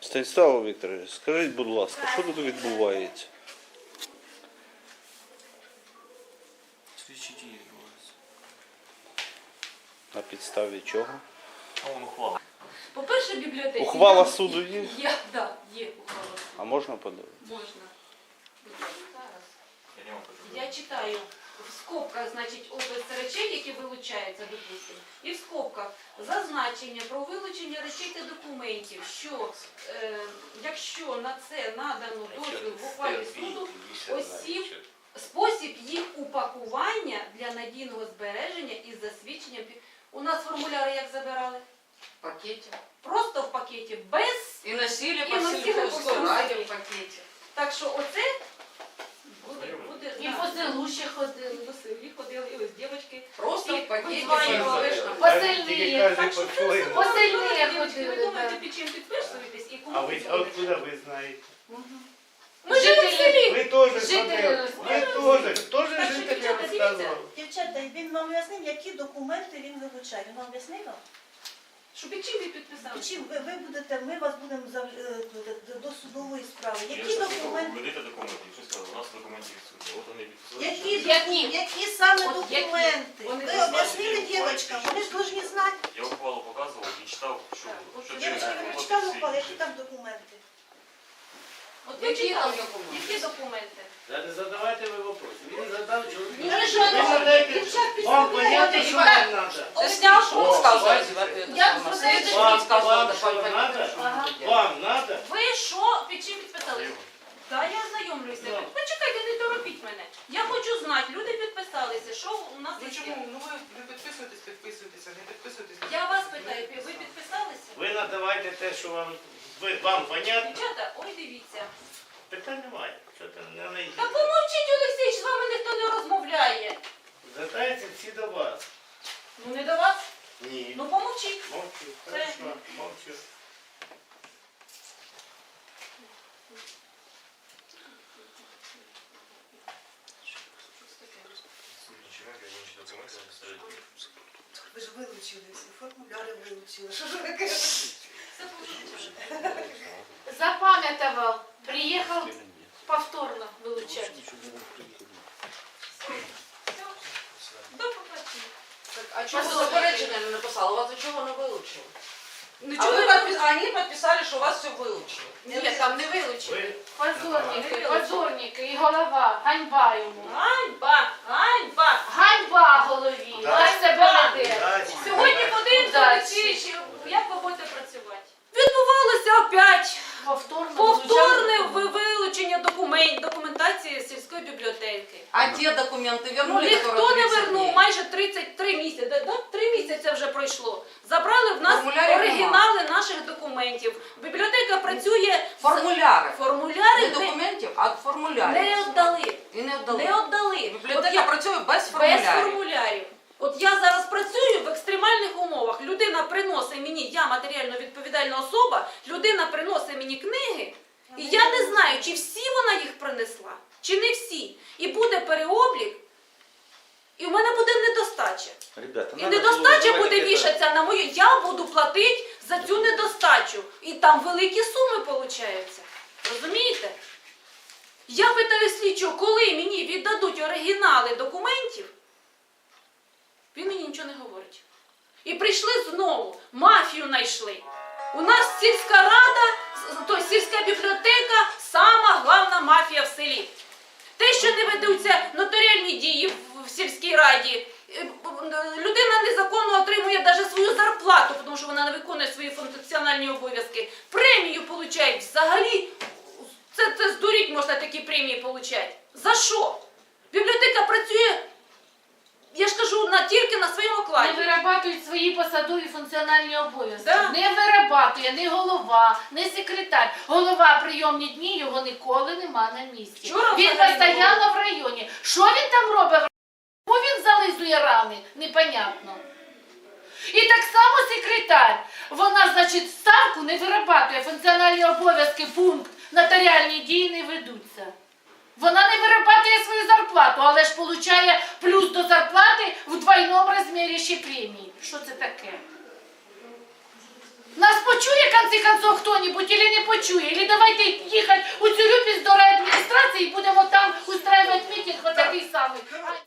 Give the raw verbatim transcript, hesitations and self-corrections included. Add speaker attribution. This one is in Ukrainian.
Speaker 1: Станіслав Вікторович, скажіть, будь ласка, що тут відбувається?
Speaker 2: Слідчі дії відбуваються.
Speaker 1: На підставі чого?
Speaker 2: А вон ухвала.
Speaker 3: По-перше, бібліотеки.
Speaker 1: Ухвала
Speaker 3: Я-
Speaker 1: суду є?
Speaker 3: Є, да, є ухвала суду.
Speaker 1: А можна подивитися?
Speaker 3: Можна. Будь ласка, зараз.
Speaker 2: Я не вам кажу.
Speaker 3: Я читаю в скобках, значить, опис речей, які вилучаються, допустимо. І в скобках зазначення про вилучення речей та документів, що е, якщо на це надано дозвіл в ухвалі суду, осіб, спосіб їх упакування для надійного збереження із засвідченням. пі- У нас формуляри як забирали?
Speaker 4: В пакете.
Speaker 3: Просто в пакеті, без.
Speaker 4: И носили
Speaker 3: И
Speaker 4: по
Speaker 3: носили
Speaker 4: сельхозу
Speaker 3: по всему
Speaker 4: ради
Speaker 3: селу.
Speaker 4: в пакете.
Speaker 3: Так що оце буде, буде
Speaker 5: І
Speaker 3: да.
Speaker 5: по селу ще ходили.
Speaker 3: По селі ходили, і ось дівчатки.
Speaker 4: Просто
Speaker 3: И
Speaker 4: в пакете.
Speaker 3: вызванивали.
Speaker 4: слышно.
Speaker 5: Посильні.
Speaker 3: Так що це все
Speaker 5: Посильні
Speaker 3: добре,
Speaker 5: як
Speaker 3: дівчатки. Ви
Speaker 5: ходили,
Speaker 3: думаєте,
Speaker 5: да.
Speaker 3: під чим підписуєтесь і кому
Speaker 6: А ви
Speaker 3: підписуєтесь?
Speaker 6: откуда ви знаєте?
Speaker 3: Ми живемо в селі.
Speaker 6: Ви теж
Speaker 5: Жителі
Speaker 6: ходили. Ви теж, теж
Speaker 3: Так що,
Speaker 6: жителі
Speaker 3: дівчата,
Speaker 6: розказували.
Speaker 7: Дівчата, він вам пояснив, які документи він вилучає. Він вам пояснив? вам?
Speaker 3: Що під чим ви підписали?
Speaker 7: Чим ви, ви будете, ми вас будемо зав- е, до- до судової справи.
Speaker 2: Я
Speaker 3: ну,
Speaker 7: Які
Speaker 2: ж
Speaker 7: документи?
Speaker 2: Ведите документи. Що сказали? У нас документів відсутні. От вони підписали.
Speaker 7: Які,
Speaker 5: Які?
Speaker 7: доку- які саме
Speaker 3: От які?
Speaker 7: документи?
Speaker 3: Вони
Speaker 7: Ви
Speaker 3: не
Speaker 7: об'яснили
Speaker 2: знають.
Speaker 7: дівчатам, вони ж повинні знати.
Speaker 2: Я ухвалу показував і читав, що
Speaker 3: Так, от
Speaker 2: що
Speaker 3: дівчатки,
Speaker 7: Дівчатки, ви
Speaker 2: через
Speaker 7: читали
Speaker 2: підписи.
Speaker 7: ухвали, які там документи?
Speaker 3: От ви
Speaker 4: Які там
Speaker 3: читали?
Speaker 4: документи?
Speaker 3: Які документи?
Speaker 6: Да не задавайте ви вопроси. Він задав чоловік.
Speaker 3: Ні,
Speaker 7: ви що,
Speaker 6: Ви задаєте,
Speaker 3: дівчатки,
Speaker 6: вам
Speaker 3: сидять.
Speaker 6: понятно, що вам треба.
Speaker 4: Ты снял, что
Speaker 6: О,
Speaker 4: рассказывать?
Speaker 6: бачите?
Speaker 5: Я
Speaker 4: На
Speaker 5: просто
Speaker 4: следующий
Speaker 6: Вам,
Speaker 4: день сказал,
Speaker 6: вам
Speaker 4: да,
Speaker 6: що
Speaker 4: понятно,
Speaker 6: надо?
Speaker 4: что
Speaker 5: Ага.
Speaker 4: надо делать.
Speaker 6: Вам надо?
Speaker 3: Ви що? Під чим підписали? Так, я ознайомлюся.
Speaker 6: Ну.
Speaker 3: Почекайте, не торопіть мене. Я хочу знати, люди підписалися, що у нас
Speaker 8: Ну
Speaker 3: є.
Speaker 8: чому? Ну ви, ви підписуєтесь, підписуєтеся, не підписуєтесь. не
Speaker 3: Я вас
Speaker 8: підписуєтесь.
Speaker 3: питаю, ви підписалися?
Speaker 6: Ви надавайте те, що вам, ви, вам понятно.
Speaker 3: Дівчата, ой, дивіться.
Speaker 6: Питань немає. Що там не найдіть.
Speaker 3: Та помовчіть, Олексій, з вами ніхто не розмовляє.
Speaker 6: Звертаються всі до вас.
Speaker 3: Ну не до вас.
Speaker 6: Ні.
Speaker 3: Ну помовчіть.
Speaker 6: Мовчу.
Speaker 3: Це-
Speaker 6: Хорошо, мовчу.
Speaker 8: Ви ж вилучили всі, формуляри вилучили. Що ж ви кажете?
Speaker 5: Запам'ятував. Приїхав повторно вилучати.
Speaker 3: До побачення.
Speaker 4: Так, а чего вы заперечення не написали? У вас за чего не вилучили?
Speaker 3: Ну
Speaker 4: А
Speaker 3: чого
Speaker 4: вы
Speaker 3: ви
Speaker 4: подпис- они подписали, что у вас все вилучили.
Speaker 3: Ні, там не вилучили.
Speaker 6: Ви
Speaker 5: Позорники, позорники і голова. Ганьба йому.
Speaker 3: Ганьба, ганьба.
Speaker 5: Ганьба голові. Ось себе веде.
Speaker 6: дачі.
Speaker 3: Сьогодні подивимося,
Speaker 5: Удачі.
Speaker 3: Олексій, як ви будете працювати. Відбувалося опять
Speaker 5: Повторно
Speaker 3: повторне
Speaker 5: вилучали.
Speaker 3: ви- вилучення документ, документації сільської бібліотеки.
Speaker 4: А те документы вернули,
Speaker 3: Ніхто
Speaker 4: которые
Speaker 3: не
Speaker 4: тридцать
Speaker 3: вернув,
Speaker 4: дней?
Speaker 3: майже тридцять три місяці. Да, да, три місяці вже пройшло. Забрали в нас
Speaker 4: Формулярів
Speaker 3: оригінали наших документів. Бібліотека працює. з-
Speaker 4: Формуляри.
Speaker 3: Формуляри
Speaker 4: Не
Speaker 3: не,
Speaker 4: документів, а формулярів.
Speaker 3: не віддали.
Speaker 4: І не віддали.
Speaker 3: Не віддали. От
Speaker 4: Бібліотека
Speaker 3: я-
Speaker 4: працює без
Speaker 3: без
Speaker 4: формулярів.
Speaker 3: формулярів. От я зараз працюю в екстремальних умовах. Людина приносить мені, я матеріально відповідальна особа, людина приносить мені книги, і я не знаю, чи всі вона їх принесла, чи не всі. І буде переоблік, і в мене буде недостача.
Speaker 1: Ребята,
Speaker 3: І
Speaker 1: надо
Speaker 3: недостача
Speaker 1: було
Speaker 3: буде
Speaker 1: давайте
Speaker 3: вішатися на мою, я буду платити за цю недостачу. І там великі суми получаються. Розумієте? Я питаю слідчого, коли мені віддадуть оригінали документів, він мені нічого не говорить. І прийшли знову, мафію знайшли. У нас сільська рада, то сільська бібліотека – сама головна мафія в селі. Те, що не ведуться нотаріальні дії в- в сільській раді, е, людина незаконно отримує навіть свою зарплату, тому що вона не виконує свої функціональні обов'язки. Премію отримують взагалі. Це, це здуріть можна такі премії отримати. За що? Бібліотека працює, я ж кажу, на, тільки на своєму
Speaker 5: Не
Speaker 3: окладі.
Speaker 5: вирабатують свої посадові функціональні обов'язки.
Speaker 3: Да.
Speaker 5: Не вирабатує ні голова, ні секретар. Голова прийомні дні, його ніколи нема на місці.
Speaker 3: Вчора
Speaker 5: Він
Speaker 3: взагалі
Speaker 5: постійно в районі. Що він там робить? Кому він зализує рани? Непонятно. І так само секретар. Вона, значить, ставку не вирабатує, функціональні обов'язки, пункт, нотаріальні дії не ведуться. Вона не вирабатує свою зарплату, але ж получає плюс до зарплати в двойному розмірі ще премії. Що це таке? Нас почує, в конці концов, хто-небудь, чи не почує? почує. Или давайте їхати у Цюрюпі